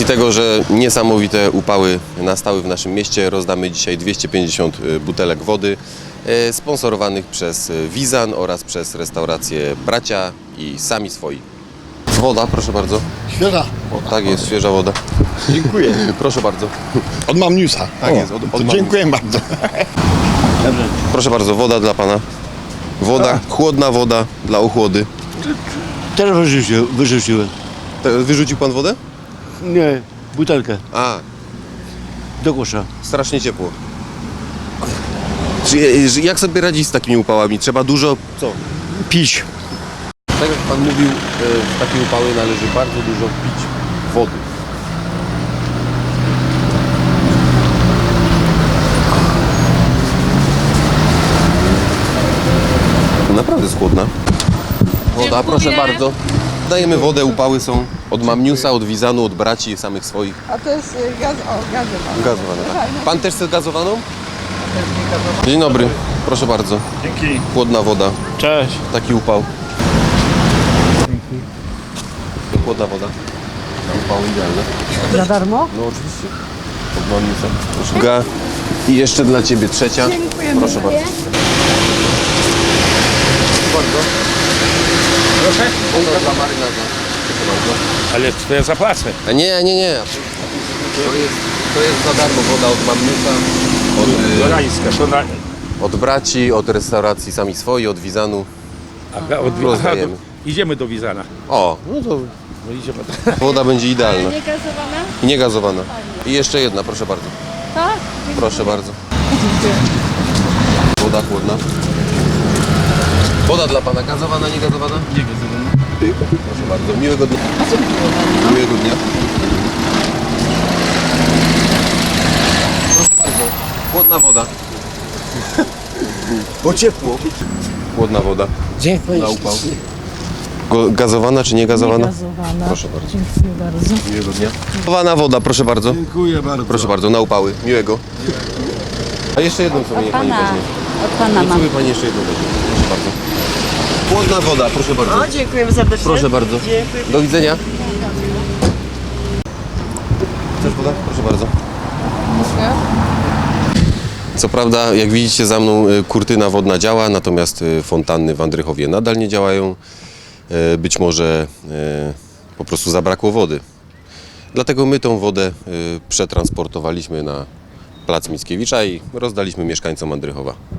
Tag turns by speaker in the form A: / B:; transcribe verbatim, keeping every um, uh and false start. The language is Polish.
A: tego, że niesamowite upały nastały w naszym mieście, rozdamy dzisiaj dwieście pięćdziesiąt butelek wody sponsorowanych przez Wizan oraz przez restaurację Bracia i Sami Swoi. Woda, proszę bardzo.
B: Świeża.
A: O, tak jest, świeża woda.
B: Dziękuję.
A: Proszę bardzo.
B: Od Mamniusa.
A: Tak
B: O,
A: jest, od- od
B: to
A: Mamniusa.
B: dziękuję bardzo.
A: Proszę bardzo, woda dla pana. Woda, chłodna woda dla ochłody.
C: Teraz wyrzuciłem, wyrzuciłem.
A: Te- Wyrzucił pan wodę?
C: Nie, butelkę
A: A,
C: do kosza.
A: strasznie ciepło. Czy- że- Jak sobie radzić z takimi upałami? Trzeba dużo, co?
C: Pić.
A: Tak jak pan mówił, w takie upały należy bardzo dużo pić wody. Naprawdę jest chłodna. Woda, proszę bardzo. Dajemy wodę, upały są od Mamniusa, od Wizanu, od braci samych swoich.
D: A to jest y, gaz, o, gazowana.
A: Gazowana, tak. Pan też chce gazowaną? Dzień dobry, proszę bardzo.
B: Dzięki.
A: Chłodna woda,
C: Cześć.
A: taki upał. Chłodna woda. Na upał idealne.
D: Za darmo?
A: No oczywiście. Od Mamniusa. Proszę. Ga. I jeszcze dla ciebie trzecia.
D: Dziękujemy.
A: Proszę bardzo. Proszę bardzo.
E: Proszę?
A: Woda dla marynarza. Proszę bardzo.
E: Ale to ja zapłacę.
A: A nie, nie, nie. To jest, to jest za darmo woda od Mamniusa, od,
E: Dorańska, to na...
A: y, od braci, od restauracji Sami Swoi, od Wizanu.
E: Aha, od... Aha,
A: Rozdajemy.
E: do... Idziemy do Wizana.
A: O, no to
E: No idziemy.
A: woda będzie idealna.
D: Nie gazowana?
A: I nie gazowana. I jeszcze jedna, proszę bardzo.
D: Tak?
A: Proszę bardzo. Woda chłodna. Woda dla pana gazowana, nie gazowana? Nie gazowana. Proszę bardzo. Miłego dnia. Miłego dnia. Proszę bardzo. Chłodna woda. Bo ciepło. Chłodna woda.
C: Dziękuję.
A: Na upał. Go- Gazowana czy nie gazowana?
D: Gazowana.
A: Proszę bardzo.
D: Dziękuję bardzo.
A: Miłego dnia. Gazowana woda, proszę bardzo.
B: Dziękuję bardzo.
A: Proszę bardzo, na upały. Miłego. A jeszcze jedną sobie niech pani weźmie.
D: Od pana
A: Niech sobie pani jeszcze jedną weźmie. Proszę bardzo. Chłodna woda, proszę bardzo.
D: O, dziękujemy serdecznie.
A: Proszę bardzo. Do widzenia. Chcesz woda? Proszę bardzo. Co prawda, jak widzicie za mną, y, kurtyna wodna działa, natomiast y, fontanny w Andrychowie nadal nie działają. Y, Być może y, po prostu zabrakło wody. Dlatego my tą wodę y, przetransportowaliśmy na plac Mickiewicza i rozdaliśmy mieszkańcom Andrychowa.